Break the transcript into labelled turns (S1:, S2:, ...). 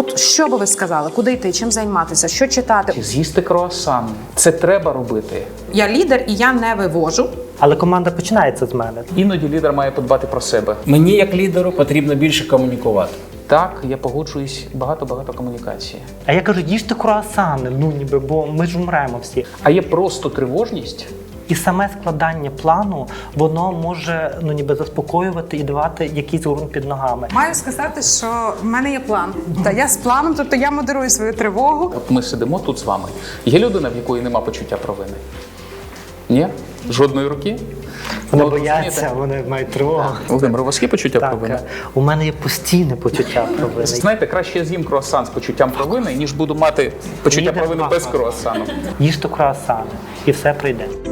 S1: От що би ви сказали? Куди йти? Чим займатися? Що читати?
S2: З'їсти круасан. Це треба робити.
S1: Я лідер і я не вивожу.
S3: Але команда починається з мене.
S2: Іноді лідер має подбати про себе.
S4: Мені, як лідеру, потрібно більше комунікувати.
S2: Так, я погоджуюсь, багато комунікації.
S3: А я кажу, їжте круасани, бо ми ж умремо всі.
S2: А є просто тривожність.
S3: І саме складання плану, воно може заспокоювати і давати якийсь ґрунт під ногами.
S1: Маю сказати, що в мене є план. Та я з планом, тобто я модерую свою тривогу.
S2: От ми сидимо тут з вами. Є людина, в якої нема почуття провини? Ні? Жодної руки?
S3: Вони
S2: Ну,
S3: бояться,
S2: розумієте?
S3: вони мають тривогу.
S2: Володимир, у вас є почуття провини?
S3: Так, у мене є постійне почуття провини.
S2: Знаєте, краще я з'їм круасан з почуттям провини, ніж буду мати почуття
S3: Лідер
S2: провини без
S3: класно.
S2: круасану.
S3: Їжте круасани, і все прийде.